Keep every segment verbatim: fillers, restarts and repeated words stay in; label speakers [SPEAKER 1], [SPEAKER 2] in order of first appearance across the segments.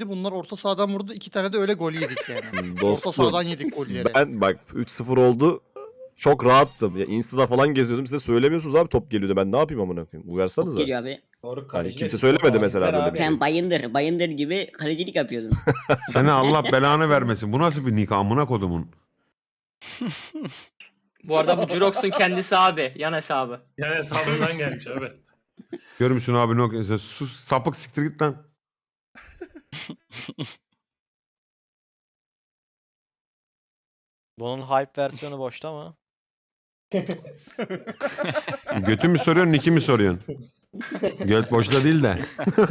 [SPEAKER 1] yedi. Bunlar orta sahadan vurdu. iki tane de öyle gol yedik yani.
[SPEAKER 2] Dostum,
[SPEAKER 1] orta sahadan yedik golleri.
[SPEAKER 2] Ben bak üç sıfır oldu. Çok rahattım. Ya Insta'da falan geziyordum. Size söylemiyorsunuz abi top geliyordu. Ben ne yapayım amına koyayım?
[SPEAKER 3] Top
[SPEAKER 2] Uyarsanıza.
[SPEAKER 3] geliyor abi.
[SPEAKER 4] Doğru
[SPEAKER 2] Yani kimse söylemedi mesela böyle bir şey.
[SPEAKER 3] Sen bayındır, bayındır gibi kalecilik yapıyordun.
[SPEAKER 5] Seni Allah belanı vermesin. Bu nasıl bir nikah amına kodumun?
[SPEAKER 6] Bu arada bu Jurox'un kendisi abi. Yan hesabı.
[SPEAKER 4] Yani hesabından gelmiş abi.
[SPEAKER 5] Görür müsün abi ne okuyorsun? Sus sapık siktir git lan.
[SPEAKER 7] Bunun hype versiyonu boşta mı?
[SPEAKER 5] Götü mü soruyorsun, niki mi soruyorsun? Göt boşta değil de.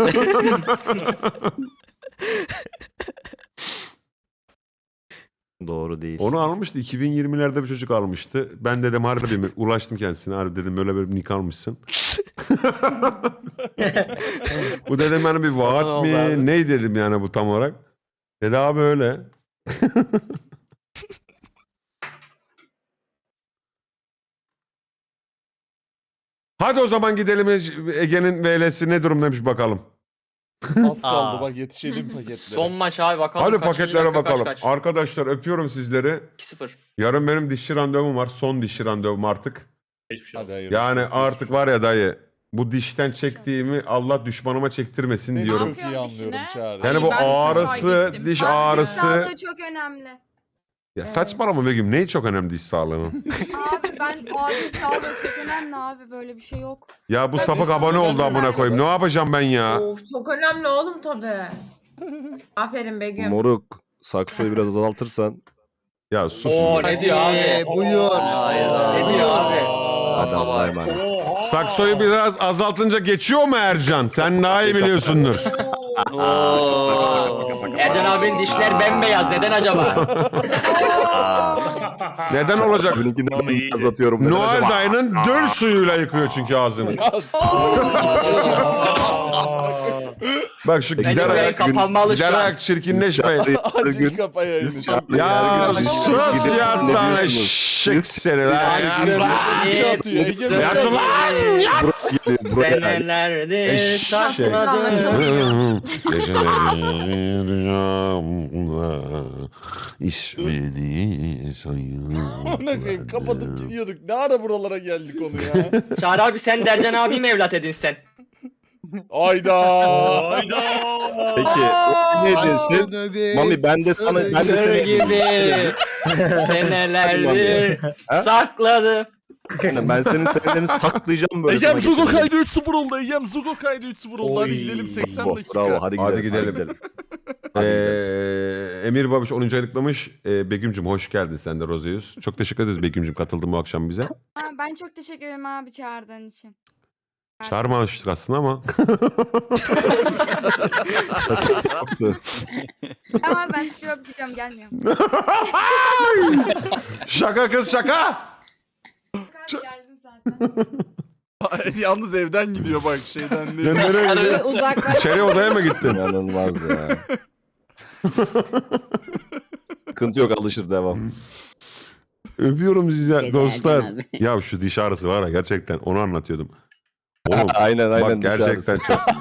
[SPEAKER 2] Doğru değil.
[SPEAKER 5] Onu almıştı. iki bin yirmilerde bir çocuk almıştı. Ben dedim harbi mi? Ulaştım kendisine. Harbi dedim böyle böyle bir nick almışsın. Bu dedim yani bir vaat
[SPEAKER 7] oldu
[SPEAKER 5] mi?
[SPEAKER 7] abi.
[SPEAKER 5] Ney dedim yani bu tam olarak. Dedi abi öyle. Hadi o zaman gidelim Ege'nin V L'si ne durumdaymış bakalım.
[SPEAKER 8] Az kaldı
[SPEAKER 6] Aa.
[SPEAKER 8] bak yetişelim paketlere.
[SPEAKER 6] Son maç abi bakalım.
[SPEAKER 5] Hadi
[SPEAKER 6] kaçıncı
[SPEAKER 5] paketlere
[SPEAKER 6] dakika,
[SPEAKER 5] bakalım.
[SPEAKER 6] Kaç, kaç.
[SPEAKER 5] Arkadaşlar öpüyorum sizleri.
[SPEAKER 6] iki sıfır.
[SPEAKER 5] Yarın benim dişçi randevum var. Son dişçi randevum artık.
[SPEAKER 4] Hiçbir şey yok.
[SPEAKER 8] Hadi hayırlısı.
[SPEAKER 5] Yani
[SPEAKER 8] Geçmiş
[SPEAKER 5] artık
[SPEAKER 8] olsun.
[SPEAKER 5] var ya dayı. Bu dişten çektiğimi Allah düşmanıma çektirmesin
[SPEAKER 8] Seni
[SPEAKER 5] diyorum.
[SPEAKER 8] çok iyi anlıyorum Çağrı.
[SPEAKER 5] Yani bu
[SPEAKER 9] Ben
[SPEAKER 5] ağrısı,
[SPEAKER 9] gittim.
[SPEAKER 5] diş
[SPEAKER 9] Abi, diş
[SPEAKER 5] ağrısı.
[SPEAKER 9] sağlığı çok önemli.
[SPEAKER 5] Ya saçmalama Begüm. Neyi çok önemli diş sağlığının?
[SPEAKER 9] Abi ben abi diş sağlığı çok önemli abi böyle bir şey yok.
[SPEAKER 5] Ya bu
[SPEAKER 9] Ben
[SPEAKER 5] sapık
[SPEAKER 9] diş
[SPEAKER 5] abone
[SPEAKER 9] sağlığı
[SPEAKER 5] oldu amına
[SPEAKER 9] önemli.
[SPEAKER 5] koyayım. Ne yapacağım ben ya?
[SPEAKER 10] Of çok önemli oğlum tabii. Aferin Begüm.
[SPEAKER 2] Moruk. Saksoyu biraz azaltırsan.
[SPEAKER 5] Ya sus.
[SPEAKER 6] Oo ne diyor abi?
[SPEAKER 1] Buyur.
[SPEAKER 6] Ne diyor abi?
[SPEAKER 2] Adam dayman.
[SPEAKER 5] Saksoyu biraz azaltınca geçiyor mu Ercan? Sen daha iyi biliyorsundur.
[SPEAKER 6] Oo. Ercan abinin dişler bembeyaz. Neden acaba?
[SPEAKER 5] Neden olacak?
[SPEAKER 2] Benimkinden
[SPEAKER 4] Ama iyi.
[SPEAKER 2] azlatıyorum. Neden
[SPEAKER 5] Noel
[SPEAKER 2] acaba?
[SPEAKER 5] dayının döl suyuyla yıkıyor çünkü ağzını. Bak şu
[SPEAKER 2] Peki,
[SPEAKER 5] gider
[SPEAKER 6] Ece
[SPEAKER 5] ayak,
[SPEAKER 6] kapanmalı şu
[SPEAKER 5] gider
[SPEAKER 6] an.
[SPEAKER 5] ayak çirkinleşmeyin.
[SPEAKER 8] Acil kapa yayını.
[SPEAKER 2] Siz
[SPEAKER 8] çok
[SPEAKER 2] çağırın.
[SPEAKER 5] Ya
[SPEAKER 2] Siz
[SPEAKER 5] sus
[SPEAKER 2] gidip
[SPEAKER 5] ya
[SPEAKER 2] ne
[SPEAKER 5] lan
[SPEAKER 2] diyorsunuz?
[SPEAKER 5] eşek seni lan.
[SPEAKER 8] Şey atıyor, Ege mi?
[SPEAKER 5] Yat ulan yat.
[SPEAKER 2] Burası geliyor. Buraya gel.
[SPEAKER 6] Senelerdir
[SPEAKER 5] Eşek.
[SPEAKER 6] sakladım.
[SPEAKER 5] Geceleri rüyamda ismini
[SPEAKER 8] Amına koyayım kapatıp
[SPEAKER 5] sayıyorum.
[SPEAKER 8] gidiyorduk. Ne ara buralara geldik onu ya?
[SPEAKER 6] Çağrı abi sen de Ercan abi mi evlat edinsen?
[SPEAKER 8] Ayda.
[SPEAKER 4] Hayda.
[SPEAKER 2] Peki. o Ne desin? Mami ben de sana ben de
[SPEAKER 6] Sır
[SPEAKER 2] seni
[SPEAKER 6] gibi senelerdir
[SPEAKER 2] Ha?
[SPEAKER 6] sakladım.
[SPEAKER 2] Aynen, ben senin senelerini saklayacağım böyle.
[SPEAKER 8] Egem
[SPEAKER 2] sana
[SPEAKER 8] Zugo
[SPEAKER 2] geçelim.
[SPEAKER 8] kaydı üç sıfır oldu. Egem Zugo kaydı üç sıfır oldu. Hadi
[SPEAKER 4] Oy.
[SPEAKER 8] gidelim seksen
[SPEAKER 2] Oh,
[SPEAKER 8] dakika.
[SPEAKER 2] bravo hadi gidelim.
[SPEAKER 5] Hadi gidelim. Ee, Emir Babiş onuncu aylıklamış. Ee, Begüm'cüm hoş geldin sen de Rozeus. Çok teşekkür ederiz Begüm'cüm katıldın bu akşam bize.
[SPEAKER 9] Ha, ben çok teşekkür ederim abi çağırdığın için.
[SPEAKER 5] Çağırmamıştık aslında ama.
[SPEAKER 2] Yoktu.
[SPEAKER 9] Ama ben sıkıyorum gidiyorum gelmiyorum.
[SPEAKER 5] Şaka kız şaka.
[SPEAKER 9] Abi geldim zaten.
[SPEAKER 8] Yalnız evden gidiyor bak şeyden değil.
[SPEAKER 5] Ya nereye gidiyor?
[SPEAKER 9] Uzaklaş.
[SPEAKER 5] İçeri odaya mı gittin?
[SPEAKER 2] İnanılmaz ya. Sıkıntı yok alışır devam.
[SPEAKER 5] Öpüyorum sizi
[SPEAKER 3] Gece
[SPEAKER 5] dostlar.
[SPEAKER 3] Ercan abi.
[SPEAKER 5] Ya şu diş ağrısı var ya gerçekten onu anlatıyordum. Oğlum
[SPEAKER 2] aynen aynen.
[SPEAKER 5] bak gerçekten
[SPEAKER 2] dışarısı.
[SPEAKER 5] çok.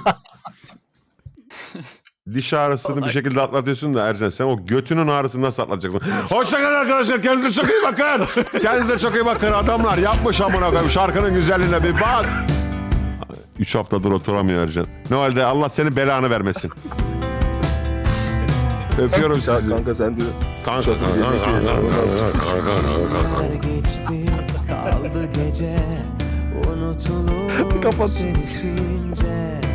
[SPEAKER 5] Diş ağrısını bir şekilde atlatıyorsun da Ercan sen o götünün ağrısını nasıl atlatacaksın? Hoşçakalın arkadaşlar kendinize çok iyi bakın. Kendinize çok iyi bakın adamlar yapmış amına koyayım şarkının güzelliğine bir bak. Üç haftadır oturamıyor Ercan. Ne halde Allah seni belanı vermesin. Öpüyorum sizi.
[SPEAKER 2] Kanka sen diyor.
[SPEAKER 5] Kanka kanka kanka.
[SPEAKER 11] Geçti kaldı gece unutulur
[SPEAKER 2] Kapat.
[SPEAKER 11] sessizce